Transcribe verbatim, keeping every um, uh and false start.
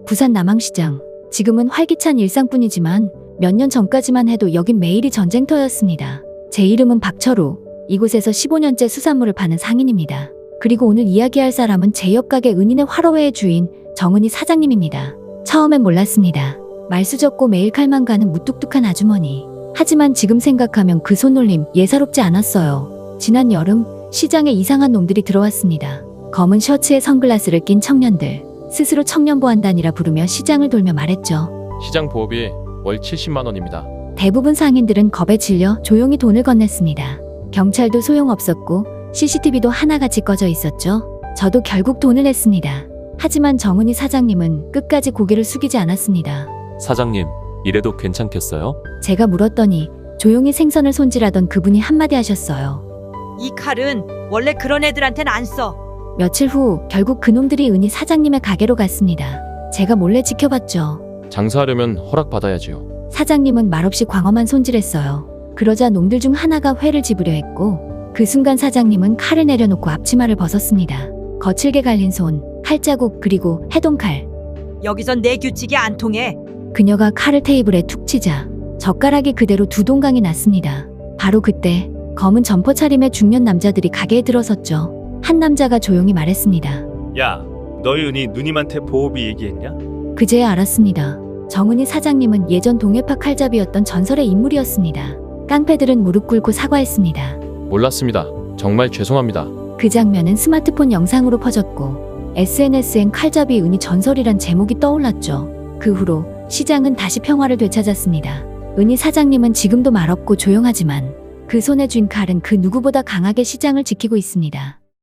부산 남항시장. 지금은 활기찬 일상뿐이지만 몇 년 전까지만 해도 여긴 매일이 전쟁터였습니다. 제 이름은 박철우. 이곳에서 십오 년째 수산물을 파는 상인입니다. 그리고 오늘 이야기할 사람은 제 옆 가게 은인의 화로회의 주인 정은희 사장님입니다. 처음엔 몰랐습니다. 말수적고 매일 칼만 가는 무뚝뚝한 아주머니. 하지만 지금 생각하면 그 손놀림 예사롭지 않았어요. 지난 여름 시장에 이상한 놈들이 들어왔습니다. 검은 셔츠에 선글라스를 낀 청년들. 스스로 청년보안단이라 부르며 시장을 돌며 말했죠. 시장 보호비 월 칠십만 원입니다. 대부분 상인들은 겁에 질려 조용히 돈을 건넸습니다. 경찰도 소용없었고 씨씨티비도 하나같이 꺼져 있었죠. 저도 결국 돈을 냈습니다. 하지만 정은희 사장님은 끝까지 고개를 숙이지 않았습니다. 사장님, 이래도 괜찮겠어요? 제가 물었더니 조용히 생선을 손질하던 그분이 한마디 하셨어요. 이 칼은 원래 그런 애들한텐 안 써. 며칠 후 결국 그놈들이 은희 사장님의 가게로 갔습니다. 제가 몰래 지켜봤죠. 장사하려면 허락받아야지요. 사장님은 말없이 광어만 손질했어요. 그러자 놈들 중 하나가 회를 집으려 했고 그 순간 사장님은 칼을 내려놓고 앞치마를 벗었습니다. 거칠게 갈린 손, 칼자국 그리고 해동칼. 여기선 내 규칙이 안 통해. 그녀가 칼을 테이블에 툭 치자 젓가락이 그대로 두 동강이 났습니다. 바로 그때 검은 점퍼 차림의 중년 남자들이 가게에 들어섰죠. 한 남자가 조용히 말했습니다. 야, 너희 은희 누님한테 보호비 얘기했냐? 그제야 알았습니다. 정은희 사장님은 예전 동해파 칼잡이였던 전설의 인물이었습니다. 깡패들은 무릎 꿇고 사과했습니다. 몰랐습니다. 정말 죄송합니다. 그 장면은 스마트폰 영상으로 퍼졌고 에스엔에스엔 칼잡이 은희 전설이란 제목이 떠올랐죠. 그 후로 시장은 다시 평화를 되찾았습니다. 은희 사장님은 지금도 말없고 조용하지만 그 손에 쥔 칼은 그 누구보다 강하게 시장을 지키고 있습니다.